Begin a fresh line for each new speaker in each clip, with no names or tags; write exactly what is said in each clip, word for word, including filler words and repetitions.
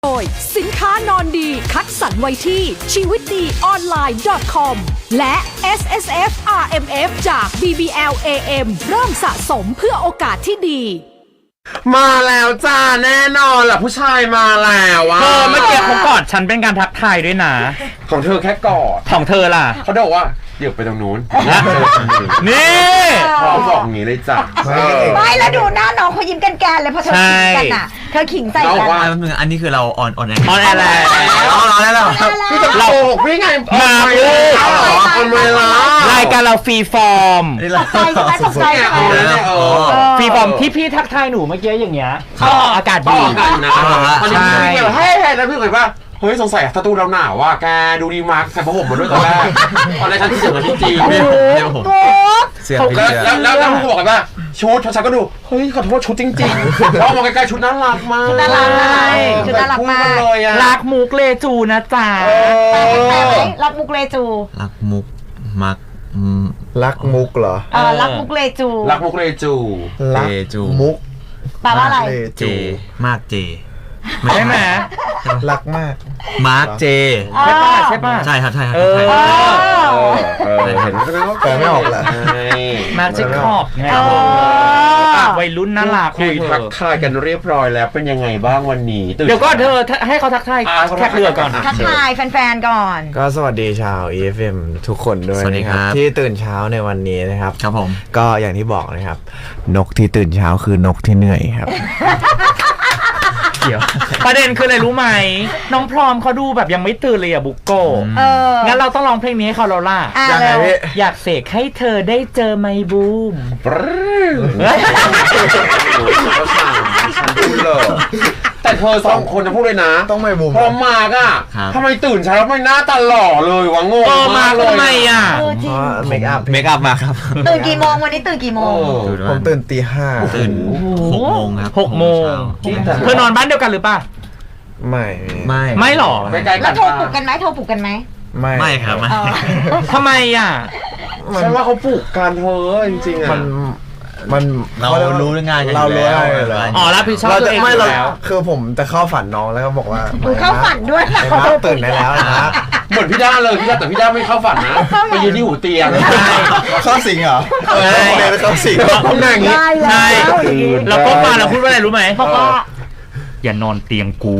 โดยสินค้านอนดีคัดสรรไว้ที่ชีวิตดีออนไลน์ .com และ เอส เอส เอฟ อาร์ เอ็ม เอฟ จาก บี บี แอล เอ เอ็ม เริ่มสะสมเพื่อโอกาสที่ดี
มาแล้วจ้าแน่นอนล่ะผู้ชายมาแล้วว่ะ
เธอเมื่อกี้เขากอดฉันเป็นการทักทายด้วยนะ
ของเธอแค่กอด
ของเธอล่ะ
เขาบอกว่าเดี๋ยวไปตรงนู้น
นี่
เขาบอกอย่างนี้เลยจ้ะ
ไม่แล้วดูหน้าน้องเขายิ้มกันแกนเลยเพราะเธอขิงกันอ่ะเธอขิงใส่กัน
อันนี้คือเราออนออนแอร์
ออนแอร์แล้ว
ออนแอร์แล้ว
พี่จะโกหกพี่ไง
มาพูด
ทำไมล่ะ
รายการเราฟรีฟอร์ม
ตกใจใช่ไหมตกใจใช่ไหม
ฟรีฟอร์มที่พี่ทักทายหนูเมื่อกี้อย่างเงี้ยอากาศดี
อากาศนะใช่เฮ้ยแล้วพี่เคยป่ะเฮ้ยสงสัยสตูเราหนาวว่ะแกดูดีมากใส่ผ้าห่มมาด้วยตอนแรกตอนแรกฉันที่เสียงกันที่จีน
เดี๋ยวผม
เสียง
แล้วแล้วแล้วพี่บอกกันว่าชุดฉันก็ดูเฮ้ยขอโทษชุดจริงๆเพราะมองใกล้ๆชุดน่ารักมาก
ชุดน่ารักชุดน่ารักมาก
รักมุกเลจูนะจ๊ะ
รักมุกเลจู
รักมุกมัก
รักมุกเหรอ
เออรักมุกเลจู
รักมุกเลจู
รักมุก
แปลว่าอะไร
เจมากเจ
ใช่ไหม
รักมาก
มาร์กเจ
ใช่ป่ะใช่ป่ะ
ใช่ครับใช่ครับ
เห็นแล้ว
แปลไม่ออกแหละ
มาร์กเจคอบไงวัยรุ่นน่ารัก
คุยทักทายกันเรียบร้อยแล้วเป็นยังไงบ้างวันนี้
เดี๋ยวก็เธอให้เขาทักทายแขกเรือก่อน
ทักทายแฟนๆก่อน
ก็สวัสดีชาว อี เอฟ เอ็ม ทุกคนด้วยนะครับที่ตื่นเช้าในวันนี้นะครับ
ครับผม
ก็อย่างที่บอกนะครับนกที่ตื่นเช้าคือนกที่เหนื่อยครับ
เดี๋ยวประเด็นคืออะไรรู้ไหมน้องพร้อมเขาดูแบบยังไม่ตื่นเลยอะบุกโกงั้นเราต้องร้องเพลงนี้ให้เขาแล้วล่ะ
ยังไงพี่
อยากเสกให้เธอได้เจอไมบูม
ฉันพูดเลยแต่เธอสองคนจะพูดเลยนะ
ต้องไม่บูม
พร้อมมากอ่ะทำไมตื่นเช้าแล้วไม่หน้าตาหล่อเลยวะงง
มากเลยทำไมอ่ะ
เมคอัพ
เมคอัพมาครับ
ตื่นกี่โมงวันนี้ตื่นกี่โมง
ผมตื่นตีห้า
ตื่นหกโมงครับ
หกโมงเธอนอนบ้านเดียวกันหรือป่ะ
ไม่
ไม่
ไม่หรอ
แล้วโทรปลุกกันไหมโทรปลุกกันไหม
ไม่
ไม่ครับไม่
ทำไมอ่ะ
ฉันว่าเขาปลุกกันเธอจริงๆอ่ะ
มันมัน
เรารู้เรื่องงานกัน
เรารู้อะไร
อ๋อรับผิดชอบตัวเองแล้ว
คือผมจะเข้าฝันน้องแล้วก็บอกว่า
เข้าฝันด้วย
เขาตื่นได้แล้วนะ
เหมือนพี่ด้าเลยพี่ด้าแต่พี่ด้าไม่เข้าฝันนะไปยืนที่หูเตียง
เข้าสิงเหรอ
ใช่
เข้าสิง
เขาหน้าอย่างนี้
ใช่เราก็มาเราพูดว่าอะไรรู้ไหมเพราะว่าอย่านอนเตียงกู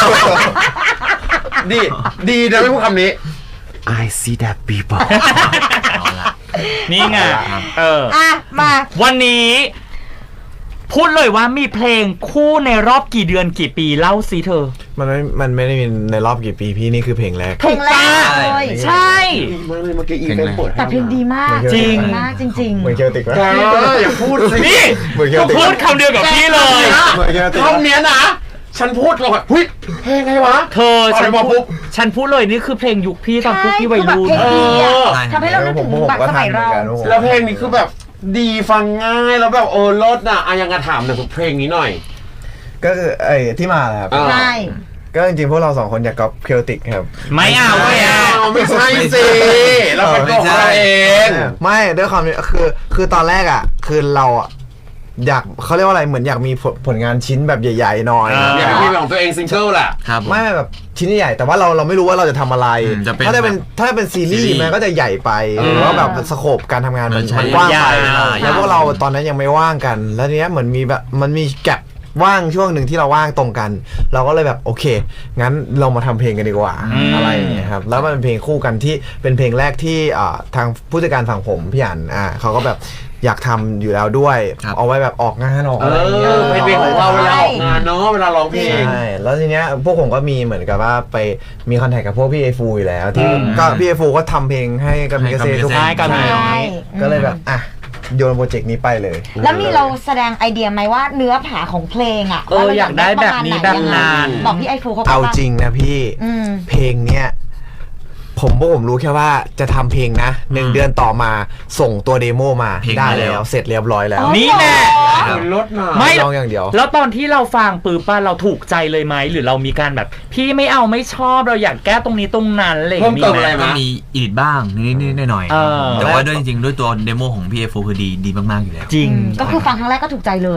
ดีดีนะไม่พูดคำนี้ I see that people
นี่ไงเออ
อ่ะมา
วันนี้พูดเลยว่ามีเพลงคู่ในรอบกี่เดือนกี่ปีเล่าสิเธอ
มันไม่มันไม่ได้มีในรอบกี่ปีพี่นี่คือเพลงแรก
เพลงแรกเลย
ใช่
เมื่อกี้อีเวนต์เปิด
แต่เพลงดีมาก
จริง
มากจริงๆ
เหมือนเคลติกวะ
อย่าพูดสิ
นี่พูดคำเดียวกับพี่เลย
คำเนี้ยนะฉันพูดก่อนหุ้ยเพลงไงวะ
เธอฉันพูดฉันพูดเลยนี่คือเพลงยุคพี่ตอนพวกพี่วัยรุ่น
ทำให้เรานึกถึงแบบสมัยเรา
แล้วเพลงนี้คือแบบดีฟังง่ายแล้วแบบเออรสน่ะอายังกระถามหน่อยเพลงนี้หน่อย
ก็คือไอ้ที่มาแหละครับ
ใช่
ก็จริงๆพวกเราสองคนอยากก๊อปเคลติกครับ
ไม่เอาไม่เอา
ไม่ใช่สิเราเป็นตัวเราเอง
ไม่ด้วยความคือคือตอนแรกอ่ะคือเราอ่ะอยากเขาเรียกว่าอะไรเหมือนอยากมีผลงานชิ้นแบบใหญ่ๆหน่อย
อยากมีของตัวเองซิงเกิลแหละ
ไม่แบบชิ้นใหญ่แต่ว่าเราเราไม่รู้ว่าเราจะทำอะไรถ้าจะเป็นถ้าเป็นซีรีส์มันก็จะใหญ่ไปหรือว่าแบบสโคปการทำงานมันกว้างไปแล้วพวกเราตอนนั้นยังไม่ว่างกันแล้วเนี้ยเหมือนมีแบบมันมีแกลบว่างช่วงหนึ่งที่เราว่างตรงกันเราก็เลยแบบโอเคงั้นเรามาทำเพลงกันดีกว่าอะไรอย่างเงี้ยครับแล้วมันเป็นเพลงคู่กันที่เป็นเพลงแรกที่ทางผู้จัดการฝั่งผมพี่อั๋นอ่าเขาก็แบบอยากทำอยู่แล้วด้วยเอาไว้แบบออกงานออกอะไรอย่างเงี้ย
เป็นเพลงของเราเวลาออกงานเนาะเวลาร้องเพลง
ใช่แล้วทีเนี้ยพวกผมก็มีเหมือนกับว่าไปมีคอนแทคกับพวกพี่ไอฟูอยู่แล้วที่ก็พี่ไอฟูก็ทำเพลงให้กับมิกาเซ่ทุกคนก็เลยแบบอ่ะโยนโปรเจกต์นี้ไปเลย
แล้วมีเราแสดงไอเดียไหมว่าเนื้อผาของเพลงอ่ะ
เอออยากได้แบบนี้แบบนาน
บอกพี่ไอฟูเขา
เอาจริงนะพี่เพลงเนี้ยผมพวกผมรู้แค่ว่าจะทำเพลงนะหนึ่งเดือนต่อมาส่งตัวเดโมมาได้แล้วเสร็จเรียบร้อยแล้ว
นี่แน่
รถมา
ไม่ลองอย่างเดียวแล้วตอนที่เราฟังปืนป้าเราถูกใจเลยไหมหรือเรามีการแบบพี่ไม่เอาไม่ชอบเราอยากแก้ตรงนี้ตรงนั้นอะไร
มีไหม
ก็มีอีดิทบ้างนิดๆหน่อยๆแต่ว่าด้วยจริงๆด้วยตัวเดโมของพี่เอฟคือดีดีมากๆอยู่แล้ว
จริง
ก็คือฟังครั้งแรกก็ถูกใจเลย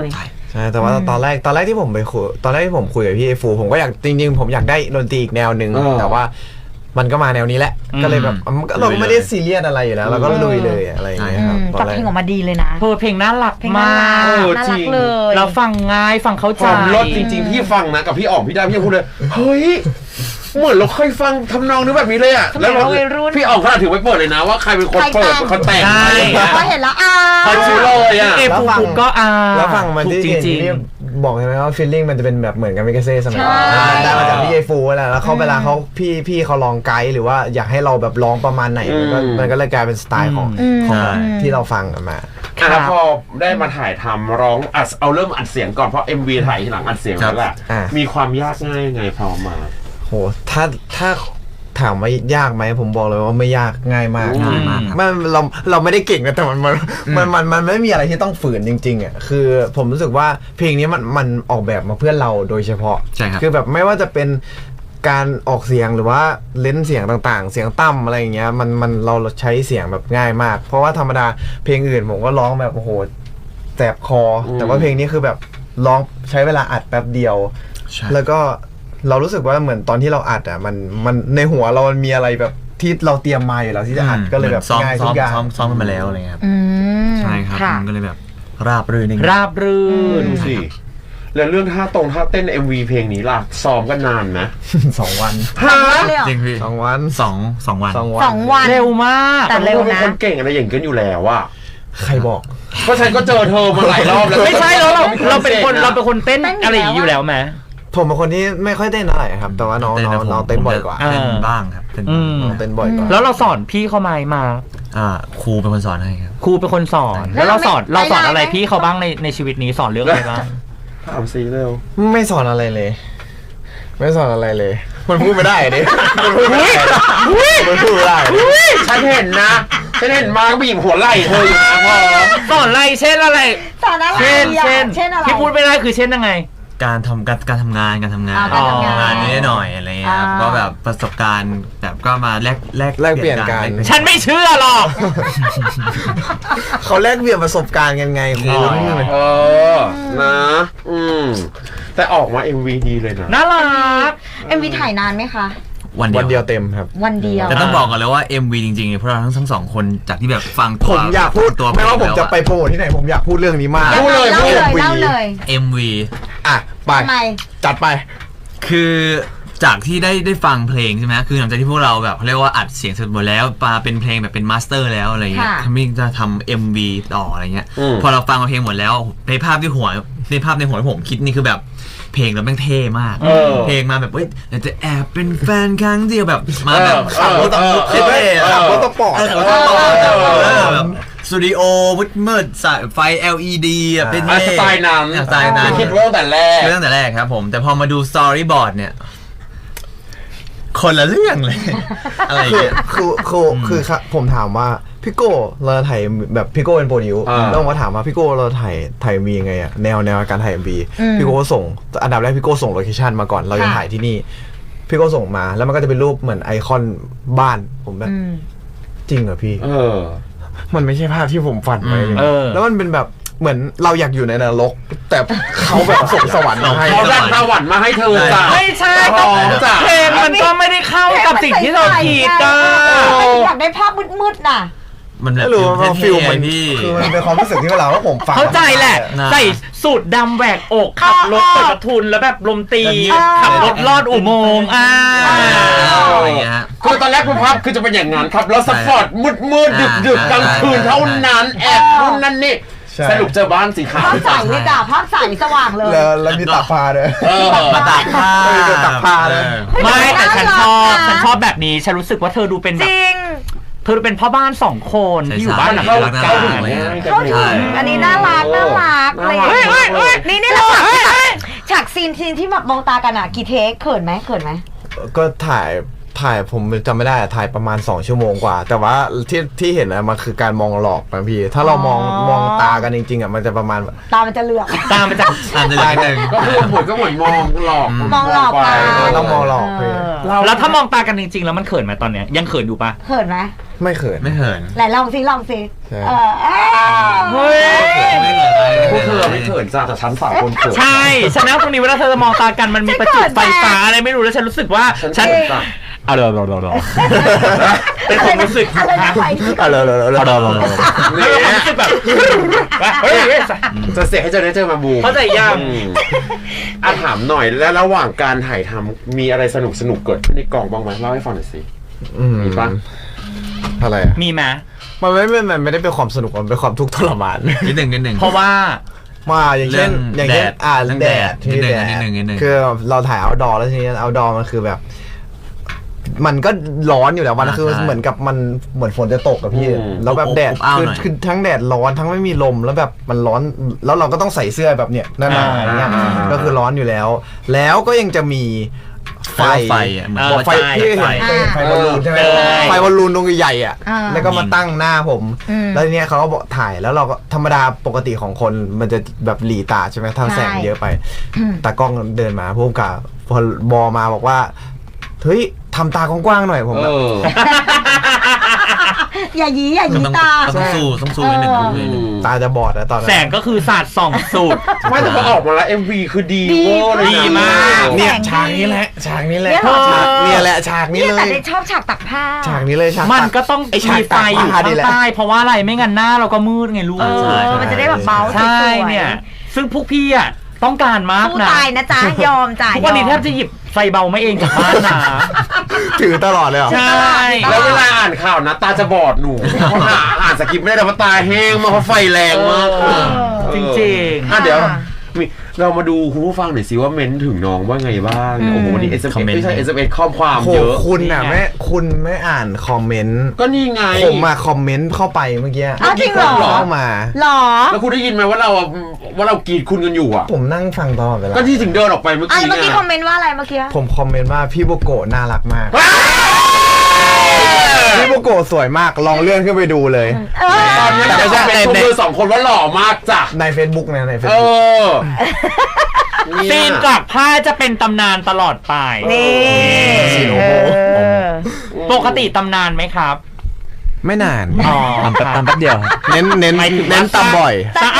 ใช่แต่ว่าตอนแรกตอนแรกที่ผมไปคุยตอนแรกที่ผมคุยกับพี่ไอฟูผมก็อยากจริงๆผมอยากได้ดนตรีอีกแนวหนึ่งแต่ว่ามันก็มาแนวนี้แหละก็เลยแบบเราก็ไม่ได้ซีเรียสอะไรอยู่แล้วเราก็ลุยเลยอะไรอย่างเงี้ยครับ
แต่เพลงออกมาดีเลยนะ
เธอเพลงน่ารัก
เพลง
มา
น่ารัก
ก
น่ารักเลย
เราฟังง่ายฟังเข้า
ค
ใจ
วามรสจริงๆพี่ฟังนะกับพี่อ๋อมพี่ดาพี่ยังพูดเลยเฮ้ยเหมือนเราเคยฟังทำนองนึกแบบนี้เลยอ่ะแล้วเราพี่อ๋อมขนาดถึงไปเปิดเลยนะว่าใครเป็นคนเปิดคนแต่ง
ใช่
พอเห็นแล้วอ่า
เขาชื่อเลยอ่ะ
เอฟูฟูก็อ่า
แล้วฟังมันที่
จริงจริง
ที่บอกใช่ไหมว่าฟีลลิ่งมันจะเป็นแบบเหมือนกันมิกาเซ่สมัย
ใช่
นั้นได้มาจากพี่ไอฟูแหละแล้วเขาเวลาเขาพี่พี่เขาลองไกด์หรือว่าอยากให้เราแบบร้องประมาณไหนมันก็
อืม
มันก็เลยกลายเป็นสไตล์ของ
อืม
ของ
ใช่
ที่เราฟังกันมา
อ่ะแล้วพอได้มาถ่ายทำร้องอัดเอาเริ่มอัดเสียงก่อนเพราะ เอ็ม วี ถ่ายทีหลังอัดเสียงแล้วแหละ
อ่า
มีความยากง่ายไงพอมา
โหถ้าถ้าถามว่ายากไหมผมบอกเลยว่าไม่ยากง่ายมาก
ง่ายมากครับ
มันเราเราไม่ได้เก่งนะแต่มันมันมันมันมันไม่มีอะไรที่ต้องฝืนจริงๆอ่ะคือผมรู้สึกว่าเพลงนี้มันมันออกแบบมาเพื่อเราโดยเฉพาะ
ใช่ครับ
คือแบบไม่ว่าจะเป็นการออกเสียงหรือว่าเลนส์เสียงต่างๆ เสียงต่ำอะไรอย่างเงี้ยมันมันเราใช้เสียงแบบง่ายมาก เพราะว่าธรรมดาเพลงอื่นผมก็ร้องแบบโอ้โหแสบคออ
ม
แต่ว่าเพลงนี้คือแบบร้องใช้เวลาอัดแป๊บเดียว
ใช่
แล้วก็เรารู้สึกว่าเหมือนตอนที่เราอัดอ่ะมันมันในหัวเรามันมีอะไรแบบที่เราเตรียมมาอยู่แล้วที่จะอัดก็เลยแบบ
ซ้อม
ง่าย
ซ้
ทุ
อม
กอย่าง
ซ้อมซ้อมกันมาแล้วอะไรเงี้ยครับ
อืม
ใช่ครับ
ค่ะ
มันก็เลยแบบราบรื่นนิดนึง
ราบรื่น
ดูสิแล้วเรื่องท่าตรงท่าเต้น เอ็ม วี เพลงนี้ล่ะซ้อมกันนานไหม
สองวัน
ฮะ
เลยเหรอ
จริงพี่
สองวัน
สองสองวัน
สองวัน
สองวัน
เร็วมาก
แต่เร็ว
เป็น
นะ
คนเก่งอะไรอย่างกันอยู่แล้วอะ
ใครบอก
เพราะฉันก็เจอเธอมาหลายรอบแล้ว
ไม่ใช่แล้วเราเราเป็นคนเราเป็นคนเต้น
เต้นอยู่
อะไรอย่างนี้อยู่แล้วไหม
ผมเป็นคนที่ไม่ค่อยเต้นอะไรครับ แต่ว่าน้อง
เต้น
น้อง
นะผม
น้องเต้นบ่อยกว่า
ผมจะเต้น
อ่า
บ้างครับเต้น
อืม
น้องเต้นบ่อยกว่า
แล้วเราสอนพี่เขาไหมมา
อ่าครูเป็นคนสอนให้ครับ
ครูเป็นคนสอน
แล้
แล้ว ว
เรา
เราสอน
ไม่
เราสอนอะไร
ไม่ได้ไหม
พี่เขาบ้างในในชีวิตนี้สอนเรื่องอะไรบ้าง
ถามซีเร็ว
ไม่สอนอะไรเลย ไม่สอนอะไรเลย มันพูดไม่ได้ดิมันพูดไม่ได้มันพูดไม่ได้
ฉันเห็นนะฉันเห็นมาก็ไปหยิบหัวไหล่เธออยู่นะพอ
สอนอะไรเช่นอะไร
สอนอะไร
เช่น
อ่ะ
เช่น
เช่นอะไร
ที่พูดไม่ได้คือเช่นยังไง
การทำการการทำงานการทำงาน
อ่าการทำงาน
งานนี้หน่อยอะไรเงี้ยครับ
อ่า
ก็แบบประสบการณ์แบบก็มาแลกแลก
แลกเปลี่ยนกัน
แลเปลี่ย
ฉันไม่เชื่อหรอก
เขาแลกเปลี่ยนประสบการณ์กันไงคุณ
เออ นะ อืม แต่ออกมา เอ็ม วี ดีเลยนะ
น่ารัก
เอ็มวีถ่ายนานไหมคะ
วัน
วัน
เดี
เดี
ย
ยว วเต็มครับ
วันเดียว
แต่ต้องบอกก่อนเลยว่า เอ็ม วี จริงๆเนี่ยพวกเราทั้งทั้งสองคนจากที่แบบฟังตัว
ผมอยากพูด
ตัว
ไม่ว่าผมจะไป
แล้ว
โปรโมทที่ไหนผมอยากพูดเรื่องนี้มาก
พูดเลย
เล่า
พูด
เลยเล่าเลย
เอ็ม วี
อ่ะไป
ทำไม
จัดไป
คือจากที่ได้ได้ฟังเพลงใช่ไหมคือหลังจากที่พวกเราแบบเขาเรียกว่าอัดเสียงเสร็จหมดแล้วมาเป็นเพลงแบบเป็นมาสเตอร์แล้วอะไรเงี้ย
ค่ะ
ทำมิ่งจะทำ เอ็ม วี ต่ออะไรเงี้ย
อืม
พอเราฟังเพลงหมดแล้วในภาพที่หัวในภาพในหัวที่ผมคิดนี่คือแบบเพลงเราแม่งเท่มาก
เออ
เพลงมาแบบเฮ้ยอยากจะแอบเป็นแฟนครั้งเดียวแบบมาแบบ
เออเออเออ
เท่ๆ
เออ
อะ
รถสปอร์ต
เออ
เออ
เออ
เออ
เออแบบสตูดิโอมืดมืดๆสายไฟ แอล อี ดี อ่ะเป็น
อ่ะสไตล์นั้น
สไตล์นั้น
คิดว่าตั้งแต่แรก
เรื่องแต่แรกครับผม แต่พอมาดูสตอรี่บอร์ดเนี่ย คนละเรื่องเลย อะไรอย่าง
คือ
เงี้ย
คือคือคือครับผมถามว่าพี่โก้เราถ่ายแบบพี่โก้เป็นโปรดิว
อ่า
แล้วผมก็ถามว่าพี่โก้เราถ่ายถ่ายมียังไงอะแนวแนวการถ่ายมี
อืม
พี่โก้ก็ส่งอันดับแรกพี่โก้ส่งโลเคชันมาก่อนเรายัง
ค่ะ
ถ่ายที่นี่ พี่โก้ส่งมาแล้วมันก็จะเป็นรูปเหมือนไอคอนบ้านผมแบบ
อืม
จริงเหรอพี่
เออ
มันไม่ใช่ภาพที่ผมฝันไว้เลย
เออ
แล้วมันเป็นแบบเหมือนเราอยากอยู่ในนรก แต่เขาแบบส่งสวรรค์มาให้
เขาดันสวรรค์มาให้เธอจ้ะ
ไม่ใช่
พร้อมจ้ะ
เพลงมันก็ไม่ได้เข้ากับสิ่งที่เราคิดอ่ะ
อยากได้ภาพมืดๆน่ะ
มันแบบ
ไม่รู้ว่าฟิลมัน
พี่
คือมันเป็นความรู้สึกที่เวลาว่าผมฟัง
เข้าใจแหละ
นะ
ใส่สูตรดำแหวกอกขับรถเปิดประทุนแล้วแบบลมตี
เออ
ขับรถลอดอุโมงค์อ่า
อะไรอย่างเงี้ยฮะ
คือตอนแรกคุณภาพคือจะเป็นอย่างนั้นครับ แล้วสปอร์ตมืดมืดดึกดึกๆกลางคืนเท่านั้น แอบนู่นนั่นนี่
ใช่
สรุปเจอบ้านสีขาว
ภาพใสเลยจ้ะภาพใสสว่างเลย
แล้วแล้วมีตากผ้าด้วย
เออ
มาตากผ้า
เออตากผ้าเลย
ไม่แต่ฉันชอบ
น่ารักนะ
ฉันชอบแบบนี้ ฉันรู้สึกว่าเธอดูเป็น
จ
แบบ
ริง
เธอดูเป็นพ่อบ้านสองคนที่อยู่บ้านหลัง
เข้า
เดียวกั
เข้าถึง
น
ง่ายกัน
เข้าถึงอันนี้น่ารักน่ารักเลย
น่ารัก
เฮ้ยเฮ้ยนี่นี่แหละฉากฉากฉากซีนซีนที่แบบมองตากันอ่ะกี่เทคเขินไหมเขินไหม
ก็ถ่ายถ่ายผมจำไม่ได้อะถ่ายประมาณสองชั่วโมงกว่า แต่ว่าที่ที่เห็นอะมันคือการมองหลอกนะพี่ถ้าเรามองมองตากันจริงๆอะมันจะประมาณ
ตามันจะเหลือก
ตามมาจาก
อ่านได้เลยหนึ่ง
ก็คือเหมือนก็เหมือนมองหลอก
มองหลอก
ไป
ไป
ต้องมองหลอกพี่
แล้วถ้ามองตากันจริงๆแล้วมันเขินไหมตอนเนี้ยยังเขินอยู่ปะ
เขินไหม
ไม่เขิน
ไม่เขิน
ไหนลองสิลองสิ
ใช่
เออเออ
เฮ้ย
ไม่เขิน
พวกเธอไม่เขินจ้าแต่ฉันสามคนเขิน
ใช่ฉันนั่งตรงนี้เวลาเธอมองตากันมันมีประจุไฟฟ้าอะไรไม่รู้แล้วฉันรู้สึกว่า
ฉัน
ฉัน
เขินจ้ะ
เอาเลยเอาเลยเอาเลยเป็นความรู้สึก
อะไรนะไปที่
เอาเลยเลยเลย
เอาเลยเอาเลยแล้วความรู้สึกแบบเฮ้ยเฮ้ย
จะเสียให้เจอได้เจอมาบู
เข้าใจยัง
อืมอ่ะถามหน่อยแล้วระหว่างการถ่ายทำมีอะไรสนุกสนุกๆเกิดขึ้นในกองบ้างไหมเล่าให้ฟังหน่อยสิ
อืม
มีปะ
อะไรอะ
มีไหม
มันไม่ไม่มันไม่ได้เป็นความสนุกมันเป็นความทุกข์ทรมาน
นิดหนึ่งนิดหนึ่ง
เพราะว่า
มาอย่างเช่น
เรื่อง
อย่างเช่น
แดด
อ่า
เรื่อง
แด
แด
ด
ด
ที่
นิดหนึ่
แด
ง
ด
นิดหนึ่งนิดหนึ่ง
คือเราถ่ายเอาดอแล้วทีนี้เอาดอมันคือแบบ มันก็ร้อนอยู่แล้วมันคือเหมือนกับมันเหมือนฝนจะตกกับพี่
อืม
แล้วแบบแดด
อบอ้าว
คือ
หน่อย
คือทั้งแดดร้อนทั้งไม่มีลมแล้วแบบมันร้อนแล้วเราก็ต้องใส่เสื้อแบบเนี้ยหนาๆอย่างเงี้ย
อ่า
ก็คือร้อนอยู่แล้ว แล้วก็ยังจะมีไฟ
ไฟอ่ะเหมือน
เออ
ว่า
ไฟ
ไฟ
ที่เห็น
ไฟ
เคยเห็นไฟบอลลูนใช่ไหม
ใช่
ไฟบอลลูนดวงใหญ่ๆอ่ะ
อ่า
แล้วก็มาตั้งหน้าผม
อืม
แล้วทีเนี้ยเขาก็บอกถ่ายแล้วเราก็ธรรมดาปกติของคนมันจะแบบหลีตาใช่ไหมถ้า
ใช่
แสงเยอะไปตากล้องเดินมาพุ่มกับพอบอมาบอกว่าเฮ้ยทำตากว้างๆหน่อยผม
เอ
แบบ
อ
อย่ายีอย่า
ก็
ยี
ต้อง
ตา
ต้องสู้ต้องสู้นิดหนึ่ง
เออ
ต้องสู้นิดหนึ่ง
ตาจะบอดแล้วตอนนั้
แส
น
งก็คือศาสตร์ส่องสูตร
ไม่แต่พอออกมาแล้ว เอ็ม วี คือดี
ดี
เวอร์เลยนะ
ดีมาก
เนี่ย
แสงดี
ฉากนี้แหละฉากนี้แหละ
เนี่ยเหรอ
ฉากเนี่ยแหละฉากนี้
เนี่ย
เล
แต่
ย
เด็กชอบฉากตักผ้า
ฉากนี้เลยฉาก
มันก็ต้อง
ไอฉาก
มีไฟอยู่
ตากผ้า
ข้า
นี่
ง
แหละ
ใต้เพราะว่าอะไรไม่งั้นหน้าเราก็มืดไงลูก
เออมันจะได้แบบเบาส
ใช่
วยๆ
เนี่ย ซึ่งพวกพี่อ่ะต้องการมาก
สู้
นะ
ตายนะจ๊ะยอมจ่าย
ทุกวันนี้แทบจะหยิบไฟเบาไม่เองจากบ้านนะ
ถือตลอดเลยเหรอ
ใช่
แล้วเวลาอ่านข่าวนะตาจะบอดหนูเพราะหาอ่านสคริปต์ไม่ได้แต่ว่าตาแห้งมากเพราะไฟแรงมาก
เออจริงๆ
อ่ะเดี๋ยวมีเรามาดูคุณผู้ฟังหน่อยสิว่าเม้นถึงน้องว่าไงบ้างโอ้โหวันนี้ เอส เอ็ม เอส ไม่ใช่ เอส เอ็ม เอส ข้อความ
โห
เยอะ
คุณน่ะ
นี่ไง
แม่คุณไม่อ่านคอมเมนต์
ก็นี่ไง
ผมมาคอมเมนต์เข้าไปเมื่อกี้
อ้าวจริงเหรอ
เข้ามา
หรอ
แล้วคุณได้ยินไหมว่าเราอ่ะว่าเรากรีดคุณกันอยู่อ่ะ
ผมนั่งฟังตลอดเวลา
ก็ที่ถึงเดินออกไปเมื่อ
อ่ะ
กี้
เมื่อกี้
ไง
คอมเมนต์ว่าอะไรเมื่อกี้
ผมคอมเมนต์ว่าพี่โบโกะน่ารักมาก พี่โบโกะสวยมากลองเลื่อนขึ้นไปดูเลย
เออ
ตอนนี้
แต่
เรา
ไม่ใช่
เป็น
ใน
ชม
ใน
เธอสองคนว่าหล่อมากจ้ะ
ใน Facebook นะใน
เอ
Facebook
อเนี่ย
ซีนจากผ้าจะเป็นตำนานตลอดไป
นี่
ซีนโอ้โห
เออ
ปกติตำนานไหมครับ
ไม่นาน
อ๋อ
ตามแป๊บตามแป๊บเดียว
เน้นเน้น
หมายถึงว่า
เน้นตำบ่อย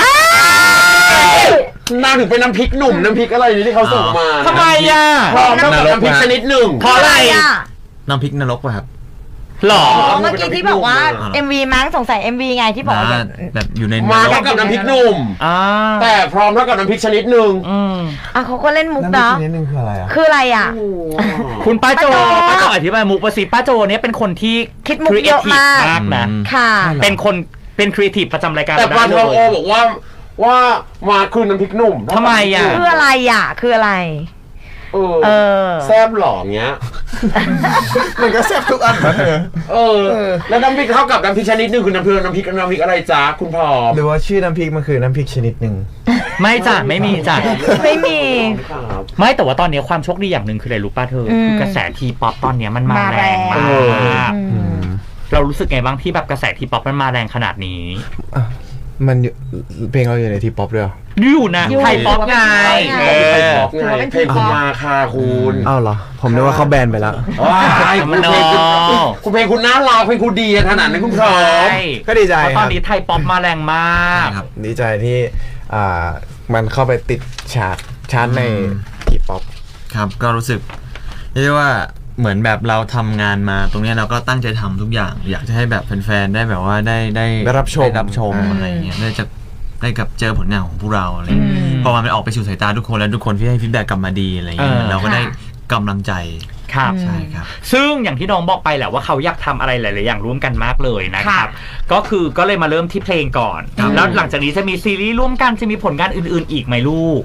นางถึงเป็นน้ำพริกหนุ่มน้ำพริกอะไรนี่ที่เขาส่งมา
ทำไมอ่ะ
พร้อมกับน้ำพริกชนิดหนึ่ง
เพราะอะไร
อ่ะ
น้ำพริกนรกป่ะครับ
หรอ
อ๋อเมื่อกี้ที่บอกว่า เอ็ม วี มั้งสงสัย เอ็ม วี ไงที่บอกว่าอย่าง
แบบอยู่ใน
มาเท่ากับน้ำพริกหนุ่ม
อ่า
แต่พร้อมเท่ากับน้ำพริกชนิดหนึ่ง
อืม
อ่ะเขาก็เล่นมุก
น้ำพริ
เนาะ
กนิดนึงคืออะไรอ่ะ
คืออะไรอ่ะ
คุณป้าโจ
ป้าโจ
ป้าโจอธิบายมุกประสิป้าโจเนี่ยเป็นคนที่
คิดมุกเยอะมาก
มากนะ
ค่ะ
เป็นคนเป็นครีเอทีฟประจำรายการ
แต่
เรา
ปลา
ได้
ท
เล
องโอย บอกว่าว่ามาคือน้ำพริกหนุ่ม
ทำไมอ่ะ
คืออะไรอ่ะ คืออะไร
เออ
เออ
แซบหล่อเงี้ย
มันก็แซ่บทุกอันนะเธอ
เออ แล้วน้ำพริกเท่ากับน้ำพริกชนิดหนึ่งคือน้ำพริกน้ำพริกน้ำพริกอะไรจ๊ะคุณพร้อม
หรือว่าชื่อน้ำพริกมันคือน้ำพริกชนิดหนึ่ง
ไม่จ้ะไม่มีจ้ะ
ไม่มี
ครับ
ไม่แต่ว่าตอนนี้ความโชคดีอย่างหนึ่งคืออะไรรู้ป่ะเธออ
ม
คือกระแสทีป๊อปตอนเนี้ยมันมา
มา
แรงม
แรง
าก
อืม
เรารู้สึกไงบ้างที่แบบกระแสทีป๊อปมันมาแรงขนาดนี้
อ่ะมันอยู่เพลงเราอยู่ในทีป๊อปด้วยเหรอ
อยู่นะ
อยู่
ไทยป๊อปไง
ไง
เอ
ไป
อ
บอกไงเพลงคุณมาค่ะคุณ
อ้าวเหรอ ผมนึกว่าเขาแบนไปแล้ว
ว้าย
มั
คุ
น
ณเพลงคุณ
เนอะ
คุณเพลงคุณน่ารักเพลงคุณดีขนาดนั้นคุณพร้อม
ใช่
ก็ดีใจ
เพราะ
ค
ตอ
รั
น
บ
นี้ไทยป๊อปมาแรงมาก
ครับ
ดีใจที่อ่ามันเข้าไปติดชาร์ตชาร์ตในทีป๊อป
ครับก็รู้สึกเรียกได้ว่าเหมือนแบบเราทำงานมาตรงเนี้ยเราก็ตั้งใจทำทุกอย่าง อยากจะให้แบบแฟนๆได้แบบว่าได้ได้
ได้รับชม
ได้รับชม
อ่า
อะไรเงี้ยได้จะได้กับเจอผลงานของพวกเราอะไรเงี้ย
อืม
พอมันออกไปสู่สายตาทุกคนแล้วทุกคนที่ให้ฟีดแบ็กกลับมาดีอะไรเงี้ย
เออ
เราก็ได้
ค่ะ
กำลังใจ
ครับ
ใช่ครับ
ซึ่งอย่างที่น้องบอกไปแหละว่าเขาอยากทำอะไรหลาย ๆ อย่างร่วมกันมากเลยนะค
ค่ะ
รับ ก็คือก็เลยมาเริ่มที่เพลงก่อน
ครับ
แล้วหลังจากนี้จะมีซีรีส์ร่วมกันจะมีผลงานอื่น ๆ อีกไหมลูก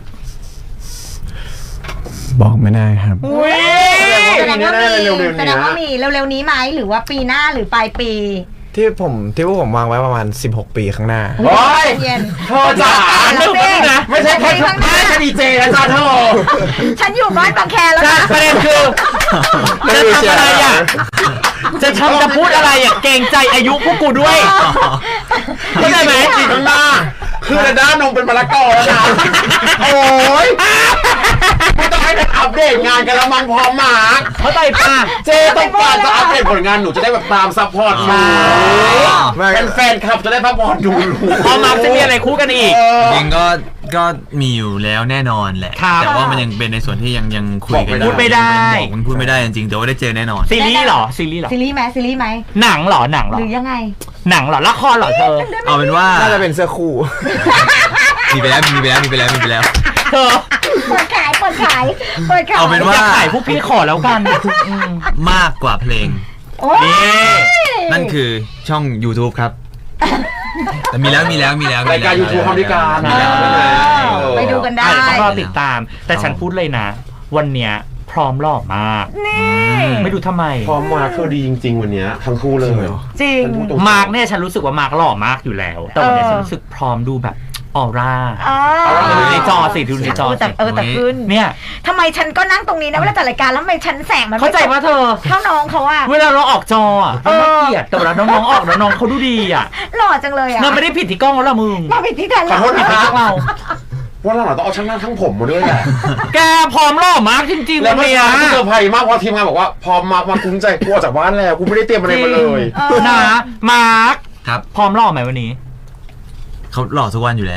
บอกไม่ได้ครับ
อุ้ย
แสดงว่ามี
เร็วๆนี้
แสดงว่ามีเร็วๆนี้ไหมหรือว่าปีหน้าหรือปลายปี
ที่ผมที่พวกผมวางไว้ประมาณสิบหกปีข้างหน้า
โอ้ย
เย็น
เธอจ๋า
เดี๋ยวสิ
นะ
ไม่ใช่แค่ทุกไม่ใช่ดีเจนะจ๊ะเธอ
ฉันอยู่บ้านบางแคแล้วนะ
ประเด็นคือจะทำอะไรอ่ะจะทำจะพูดอะไรอ่ะเกรงใจอายุพวกกูด้วยเข้าใจไหม
จีข้างหน้าคือระด้านนมเป็นมะละกอแล้วนะโอ้ยไม่ต้องให้เป็นอัปเดตงานกันแล้วมั้งพร้อมมา
เข้าใจป่ะ
เจต้องการจะอัปเดตผลงานหนูจะได้แบบตามซัพพอร์ตหนูเป็นแฟนคลับจะได้ซัพพอร์ตหนู
พอมาจะมีอะไรคู่กันอีก
จริงก็ก็มีอยู่แล้วแน่นอนแหละ
ครับ
แต่ว่ามันยังเป็นในส่วนที่ยังยังคุยกัน
พูดไม่ได้
บอกมันพูดไม่ได้จริงๆแต่ว่าได้เจอแน่นอน
ซีรีส์เหรอซีรีส์เหรอ
ซีรีส์ไหมซีรีส์ไหม
หนังเหรอหนังเหรอ
หรือยังไง
หนังเหรอละครเหรอเธอ
เอาเป็นว่า
น่าจะเป็นเสื้อคู่
มีไปแล้วมีไปแล้วมีไปแล้วมีไปแล้ว
เธอ
เปิดขายเปิดขายเปิดขาย
เอาเป็นว่า
อยากขายพวกพี่ขอแล้วกันอืม
มากกว่าเพลง
โอ้ย
นี่
นั่นคือช่อง YouTube ครับ แต่มีแล้วมีแล้วมีแล้วมี
ราย
แล้ว
การยูทูบทำด้วยกันมีแล้วด้วยนะ
ไปดูกันได้
อ่ะเดี๋ยวต้องรอติดตาม แต่ฉันพูดเลยนะ วันเนี้ยพร้อมหล่อมาก
นี่
ไม่ดูทำไม
พร้อมมาคือดีจริง ๆ วันเนี้ยทั้งคู่เลย
จริง
มาร์กเนี่ยฉันรู้สึกว่ามาร์กหล่อมากอยู่แล้ว แต่วันนี้
เออ
ฉันรู้สึกพร้อมดูแบบออร่า
อ๋อ
ดูในจอสิดูในจอ
แต่
สิ
เออแต่ขึ้น
เนี่ย
ทำไมฉันก็นั่งตรงนี้นะเวลาจัดรายการแล้วทำไมฉันแสงมันไม่
เข้าใจว่าเธอ
เท่าน้องเขาอะ
เวลาเราออกจออ่ะมันน่าเกลียดแต่เวลาน้องๆออกแล้วน้องเขาดูดีอ่ะ
หล่อจังเลยอะ
มันไม่ได้ผิดที่กล้องแล้วล่ะมึง
มาผิดที่แทน
ขอโทษ
ผิด
นะ
ที่พวกเรา
ว่าเราต้องเอาช่างหน้าทั้งผมมาด้วยแหละ
แกพร้อมหล่อมากจริงๆ
แล้
วั
วน เมื่อ
เนี้ย
เช้าเซอร์ไพรส์มากเพราะทีมงานบอกว่าพร้อมมามากุ้งใจกลัวจากบ้านแล้วกูไม่ได้เตรียมอะไรมาเลย
นะมาร์ก
ครับ
พร้อมหล่อไหมวันนี้
เขาหล่อทุกวันอยู่แล้ว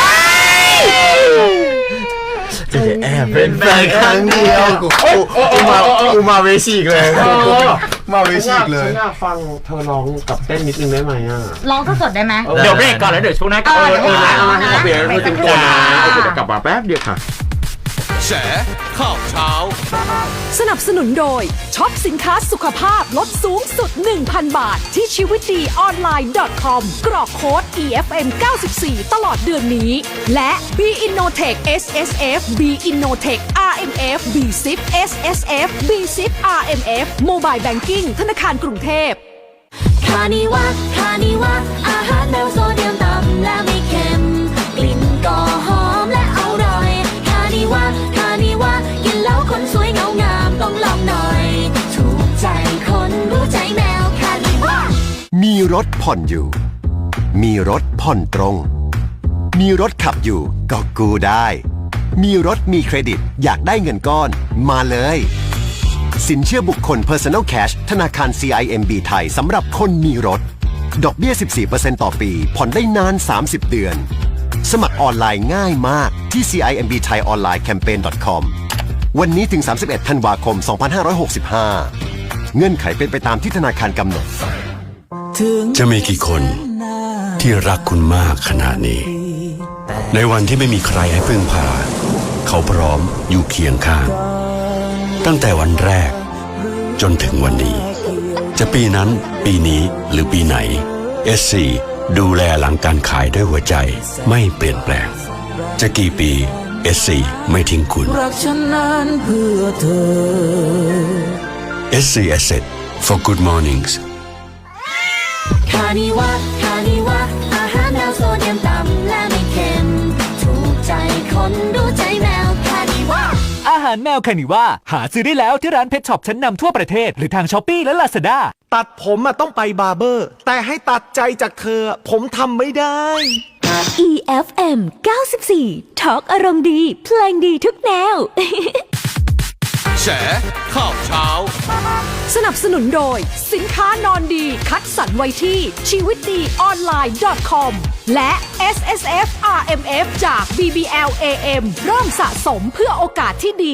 จะแอบเป็นแฟนครั้งเดียวกูกูมากูมาเวชีกเลย
เออ
มาเวชีกเลย
ฉันอยากฟังเธอร้องกับเต้นนิดนึงได้ไหมอ่ะ
ร้องสดๆได้ไหม
เดี๋ยวเบรกก่อนแล้วเดี๋ยวช่วงหน้ากลับ
เอ
มา
อเออนะเอามาให้เขาเปลี่ยนเพื่อเต็มตัวนะโอเคเดี๋ยวกลับมาแป๊บเดียวค่ะ
แฉข่าวเช้า
สนับสนุนโดยช็อปสินค้าสุขภาพลดสูงสุด หนึ่งพัน บาท ที่ชีวิตดีออนไลน์ .com กรอกโค้ด อี เอฟ เอ็ม เก้าสิบสี่ ตลอดเดือนนี้ และ B Innotech เอส เอส เอฟ B Innotech อาร์ เอ็ม เอฟ B ซิป เอส เอส เอฟ B ซิป อาร์ เอ็ม เอฟ Mobile Banking ธนาคารกรุงเทพ
คานิวะคานิวะอาหารแนวโซเดียมต่ำและไม่เค็มกลิ่นก็หอมและอร่อยคานิวะคานิวะกินแล้วคนสวยเงางามต้องลองหน่อย ถูกใจคนรู้ใจแมวคานิวะ
มีรถผ่อนอยู่ มีรถผ่อนตรง มีรถขับอยู่ก็กู้ได้ มีรถมีเครดิตอยากได้เงินก้อนมาเลย สินเชื่อบุคคล Personal Cash ธนาคาร ซี ไอ เอ็ม บี ไทยสำหรับคนมีรถ ดอกเบี้ย สิบสี่เปอร์เซ็นต์ ต่อปี ผ่อนได้นาน สามสิบ เดือน สมัครออนไลน์ง่ายมากที่ ซี ไอ เอ็ม บี ไทย ออนไลน์ แคมเปญ คอม วันนี้ถึง สามสิบเอ็ด ธันวาคม สองพันห้าร้อยหกสิบห้า เงื่อนไขเป็นไปตามที่ธนาคารกำหนด
จะมีกี่คนที่รักคุณมากขนาดนี้ ในวันที่ไม่มีใครให้พึ่งพา เขาพร้อมอยู่เคียงข้าง ตั้งแต่วันแรก จนถึงวันนี้ จะปีนั้นปีนี้หรือปีไหน เอส ซี ดูแลหลังการขายด้วยหัวใจไม่เปลี่ยนแปลง จะกี่ปี เอส ซี ไม่ทิ้งคุณ
รักฉันนั้นเพื่อเธอ
เอส ซี Asset for good mornings
คานิวะคานิวะอาหารแนวโซเดียมต่ำและไม่เค็มถูกใจคนรู้ใจแมวคานิวะ
อาหารแมวคานิว่าหาซื้อได้แล้วที่ร้านเพชช็อปชั้นนำทั่วประเทศหรือทางช้อปปี้และลาซาด้า
ตัดผมอะต้องไปบาร์เบอร์ แต่ให้ตัดใจจากเธอผมทำไม่ได้
อี เอฟ เอ็ม เก้าสิบสี่ ทอล์กอารมณ์ดี เพลงดีทุกแนว
แฉข่าวเช้า
สนับสนุนโดยสินค้านอนดีคัดสรรไว้ที่ชีวิตดีออนไลน์ .com และ เอส เอส เอฟ อาร์ เอ็ม เอฟ จาก บี บี แอล เอ เอ็ม เริ่มสะสมเพื่อโอกาสที่ดี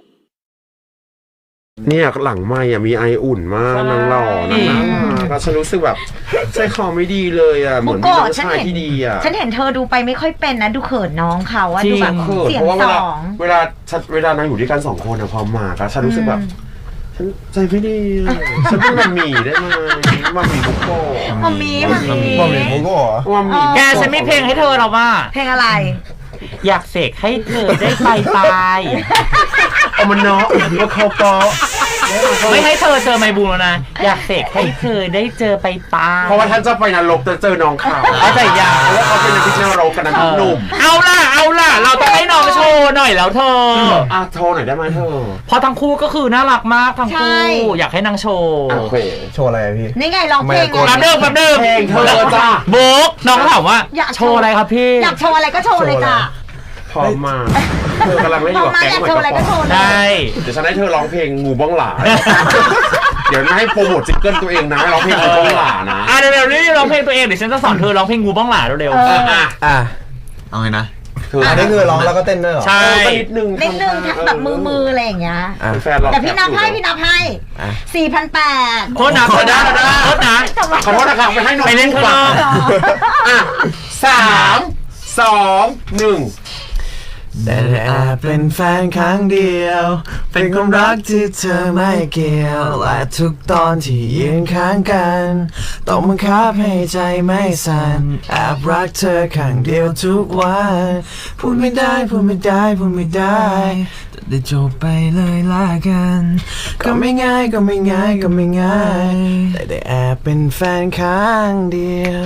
เนี่ยหลังไม่อ่ะมีไออุ่นมากนางหล่อนางน่ารักก็ฉันรู้สึกแบบใจคอไม่ดีเลยอ่ะเหมือนมีน้องชายที่ดีอ่ะ
ฉันเห็นเธอดูไปไม่ค่อยเป็นนะดูเขินน้องเขาอะดูแบบ
เขิน
เสียง
เพราะว่า
ส
เวลา
อง
เวลาฉันเวลานางอยู่ด้วยกันสองคนอะพอมาก็ฉันรู้สึกแบบฉันใจไม่ดีอะฉันเป็นมัมหมี่ได้ไหมมัมหมี่บุกโก้
มัมมี่มัมมี่
บอมบี้โมโก้เหรอ
มัมหมี่
แกฉันมีเพลงให้เธอเราว่า
เพลงอะไร
อยากเสกให้เธอได้ไปตาย
เอามันเนาะว่าเขาปอ
ไม่ให้เธอเจอไมบูมแล้วนะอยากเสกให้เธอได้เจอไปตา
เพราะว่าท่านจะไปนรกจะเจอน้องเขา
เอาใจยา
เพราะว่าเขาเป็นนักพิจารณารกกันนะหนุ่ม
เอาล่ะเอาล่ะเราต้องให้น้องโชว์หน่อยแล้วเธอ
อ่ะโชว์หน่อยได้ไหมเธอ
เพราะทั้งคู่ก็คือน่ารักมากทั้งคู่ อยากให้นางโชว์
โอเค
โชว์อะไรอะพี่
นี่ไงร้องเพลง
แป๊บเดิมแป๊บเดิม
เพลงเธอจ้า
โบ๊กน้องถามว่าโชว์อะไรครับพี่
อยากโชว์อะไรก็โชว์เลยจ้ะ
พร้อมมาเธอกำลังเล่นอ
พอยู่
กับ
มา
แก๊ง
อยาก
หอย
โชว์
ก
อะไร
ระ
ก็
ป๋
โช
อง
ว์เลย
ได้
เดี๋ยวฉันให้เธอร้องเพลงงูบ้องหลา เดี๋ยวไม่ให้โปรโมทซิงเกิลตัวเองนะร้องเพลงงูบ้องหลานะ
อ่ะเร็วๆนี่ร้องเพลงตัวเองเดี๋ยวฉันจะสอนเธอร้องเพลงงูบ้องหลาเร็ว
เอออ่ะ
อ่ะ
เอาไงนะ
เธอ
อันนี้คือร้องแล้วก็เต้นด้วยเหรอ
ๆใช่
เออก็นิดนึง
นิดนึงแบบมือมืออะไรอย่างเงี้ย
อ่ะ
แฟนเรา
แต่พี่นับให้พี่นับให้
อ่ะ
สี่พันแปด
โทษนะโทษนะโทษนะ
ขอโทษนะครับไปให้น้อง
ไปเล่นข้างนอก
อ่ะสามสองหนึ่ง
แต่แอบเป็นแฟนครั้งเดียว เป็นความรักที่เธอไม่เกี่ยว และทุกตอนที่ยืนข้างกัน ต้องบังคับให้ใจไม่สั่นแอบรักเธอข้างเดียวทุกวัน พูดไม่ได้พูดไม่ได้พูดไม่ได้แต่ได้จบไปเลยละกัน ก็ไม่ง่ายก็ไม่ง่ายก็ไม่ง่าย แต่ได้แอบเป็นแฟนครั้งเดียว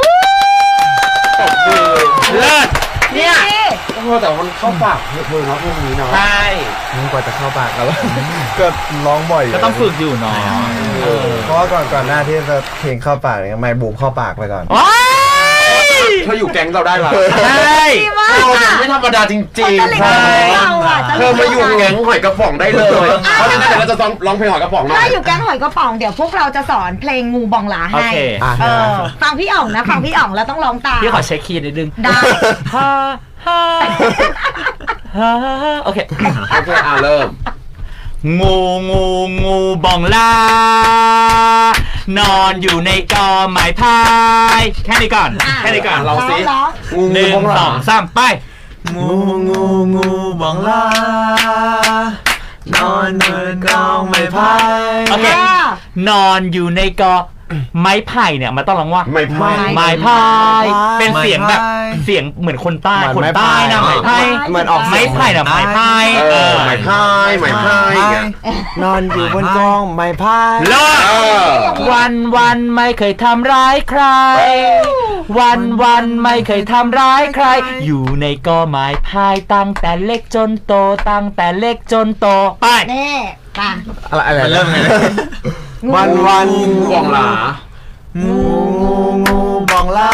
เลิศ
เนี่ย
โอ้แต่มันเข้าปากเธอเนาะพวกนี้เนาะ
ใช่
กว่าจะเข้าปากแล้ว ก็ร้องบ่อยยู่
ก็ต้องฝึกอยู่เนาะ
เออเพราะว่าก่อนก่อนหน้าที่จะเพลงเข้าปากเนี่ยไม่บูมเข้าปากไปก่อน
ว้าย
เธออยู่แก๊งเราได้ละ
ใช่
เธอเนี่ยไม่ธรรมดาจริง
ตะลิง
ๆ
เราอ่ะ
เธอมาอยู่แก๊งหอยกระป๋องได้เลย เพราะฉะนั้นเดี๋ยวเราจะร้องเพลงหอยกระป๋องหน่อ
ถ้าย อยู่แก๊งหอยกระป๋องเดี๋ยวพวกเราจะสอนเพลงงูบองหลา
โอ
ให้
เค
อ่ะ
เออฟังพี่อ่องนะฟังพี่อ่องแล้วต้องร้องตาม
พี่ขอเช็คคีย์นิดนึง
ได้
ฮ่าฮ่าฮ่าโอเค
โอเคอ่ะเริ่ม
งูงูงูบองลานอนอยู่ในกอไม้พายแค่นี้ก่อนแค่นี้ก่อน
เราสิ
ร้อง
งู
หนึ่ง
บ้องห
ส
ลา
องสามไป
งูงูงูบองลานอนบนกองไม้พาย
โอเค นอนอยู่ในกอไม้ไผ่เนี่ยมันต้องร้องว่า
ไม่พลาด
ไม้พาย เป็นเสียงแบบเสียงเหมือนคนใต้คนใต้นะไม้พาย
เหมือนออก
ไม้ไผ่นะไม้พาย
เออไม่พายไม่พายอย่างเงี้ย
นอนอยู่บนกองไม้พาย
เลิศ
เออ
วันวันไม่เคยทำร้ายใคร วันวันไม่เคยทำร้ายใคร อยู่ในกอไม้พายตั้งแต่เล็กจนโตตั้งแต่เล็กจนโตไป
แน่ป่ะ
อะไรอะไร
มันเริ่มไง
วันวัน
งูบองหลา
งูงูงูบองลาน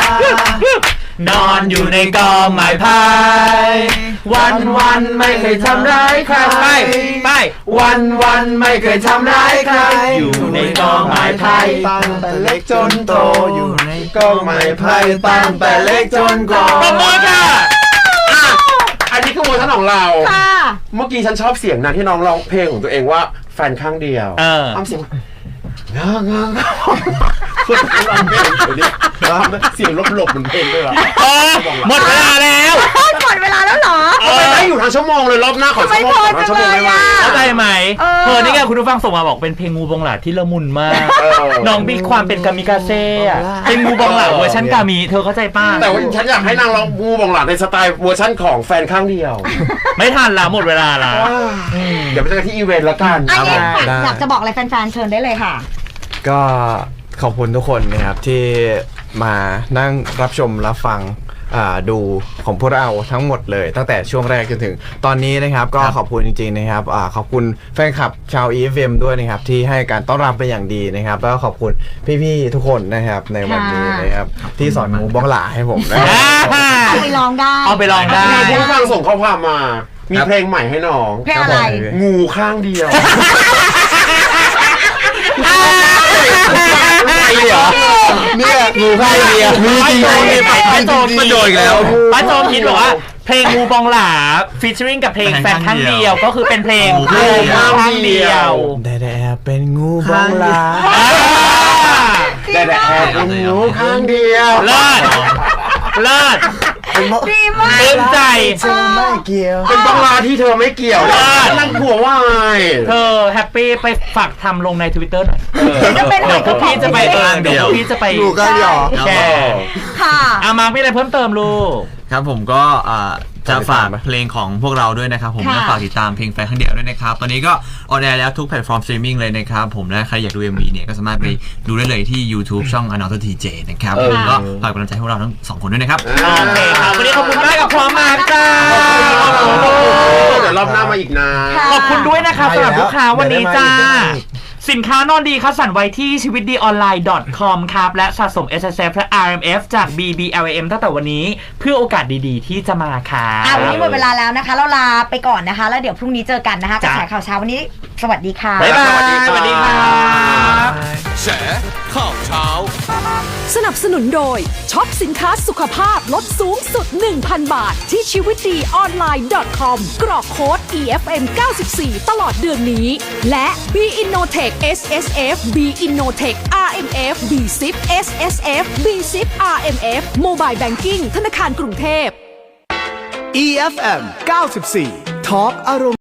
อนอยู่ในกอไม้พายวันวันไม่เคยทำร้ายใครไปไป
วันวันไม่เคยทำร้ายใคร
อยู่ในกองไม้ไผ่
ตั้งแต่เล็กจนโตอยู่ในกองไม้ไผ่ตั้งแต่เล็กจนโต
ปรบมือค่ะ
อ่ะอันนี้คือเวอร์ชันของเรา
ค่ะ
เมื่อกี้ฉันชอบเสียงนะที่น้องร้องเพลงของตัวเองว่าแฟนข้างเดียว
เออ
ทำเสียงงางางคุณร้องเพลงอยู่ดิเสียงลบๆเหมือนเพลงด้วยวะ
เออหมดเวลาแล้ว
หมดเวลาแล้วเหรอ
เอ
ทำไม
อ
ไม่อยู่ทางชั่วโมงเลยรอบหน้าขอชั่วโมงขอชั่วโมงได้ไหม
เข้าใจไหม
เออ
เธอนี่ไงคุณผู้ฟังส่งมาบอกเป็นเพลงงูบองหลาที่ละมุนมาก
เออ
น้องมีความเป็นกามิกาเซ่อะเป็นงูบองหลาเวอร์ชันกามิเธอเข้าใจป้ะ
แต่ว่าฉันอยากให้นางร้องงูบองหลาในสไตล์เวอร์ชั่นของแฟนข้างเดียว
ไม่ทันละหมดเวลาละ
เดี๋ยวไปเจอกันที่อีเวนต์ละกัน
อันนี้
ได้
อยากอยากจะบอกอะไรแฟนๆเชิญได้เลยค่ะ
ก็ขอบคุณทุกคนนะครับที่มานั่งรับชมรับฟังอ่าดูของพวกเราทั้งหมดเลยตั้งแต่ช่วงแรกจนถึงตอนนี้นะครับก็ขอบคุณจริงๆนะครับอ่าขอบคุณแฟนคลับชาว อี เอฟ เอ็ม ด้วยนะครับที่ให้การต้อนรับเป็นอย่างดีนะครับแล้วก็ขอบคุณพี่ๆทุกคนนะครับในวันนี้นะครับที่สอนงูบ้องหลาให้ผมนะ
เอาไปลองได้
เอาไปลองได้
มีผู้ฟังส่งข้อความมา มีเพลงใหม่ให้น้อง
เพลงอะไร
งูข้างเดียว
ไม่เหรอ
เนี่ยงูข้างเดียวมีจริง
ป้าโจ
ๆ
ป้าโจ
ประโยชน์อีกแล้ว
ป้าโจคิดบอกว่าเพลงงูบองหลาฟีเจอริ่งกับเพลงแฟนข้างเดียวก็คือเป็นเพลงงูข้างเดียว
แต่แต่เป็นงูบ้องหลา
แต่แต่แอบเป็นงูข้างเดียว
เลิศเลิศ
ดีมาก
เต็มใจ
เธอไม่เกี่ยว
เป็นบองลาที่เธอไม่เกี่ยวนะนั่งผัวว่าไง
เธอแฮปปี้ไปฝากทำลงใน Twitter หน่อย
จะเป็น
เดี๋ยวพวกพี่จะไปเองเดี๋ยวพวกพี่จะไป
งูข้างเดียว
แชร์
ค่ะ
อามาร์คมีอะไรเพิ่มเติมลูก
ครับผมก็อ่าจะฝากเพลงของพวกเราด้วยนะครับผมและฝากติดตามเพลงแฟนข้างเดียวด้วยนะครับตอนนี้ก็ออนแอร์แล้วทุกแพลตฟอร์มสตรีมมิ่งเลยนะครับผมและใครอยากดู เอ็ม วี เนี่ยก็สามารถไปดูได้เลยที่ YouTube ช่อง Another ที เจ นะครับผมก็ฝากกำลังใจให้พวกเราทั้งสองคนด้วยนะครับ
โอเคครับวันนี้ขอบคุณมากกับพร้อมมากจ้า
เดี๋ยวรอบหน้ามาอีกนะ
ขอบคุณด้วยนะคะสำหรับลูกค้าวันนี้จ้าสินค้านอนดีคัดสรรไว้ที่ชีวิตดีออนไลน์ .com ครับและสะสม เอส เอส เอฟ และ อาร์ เอ็ม เอฟ จาก บี บี แอล เอ็ม ตั้งแต่วันนี้เพื่อโอกาสดีๆที่จะมาค่ะ
วันนี้หมดเวลาแล้วนะคะเราลาไปก่อนนะคะแล้วเดี๋ยวพรุ่งนี้เจอกันนะคะกระแสข่าวเช้าวันนี้สวัสดีค่ะ
บ๊ายบายสวัสดีครับ
แฉข่าวเช้า
สนับสนุนโดยช็อปสินค้าสุขภาพลดสูงสุด หนึ่งพัน บาทที่ชีวิตดีออนไลน์ .com กรอกโค้ด อี เอฟ เอ็ม เก้าสิบสี่ ตลอดเดือนนี้และ B Innotech เอส เอส เอฟ B Innotech อาร์ เอ็ม เอฟ B ซิป เอส เอส เอฟ B ซิป อาร์ เอ็ม เอฟ Mobile Banking ธนาคารกรุงเทพ
อี เอฟ เอ็ม เก้าสิบสี่ Talk อารมณ์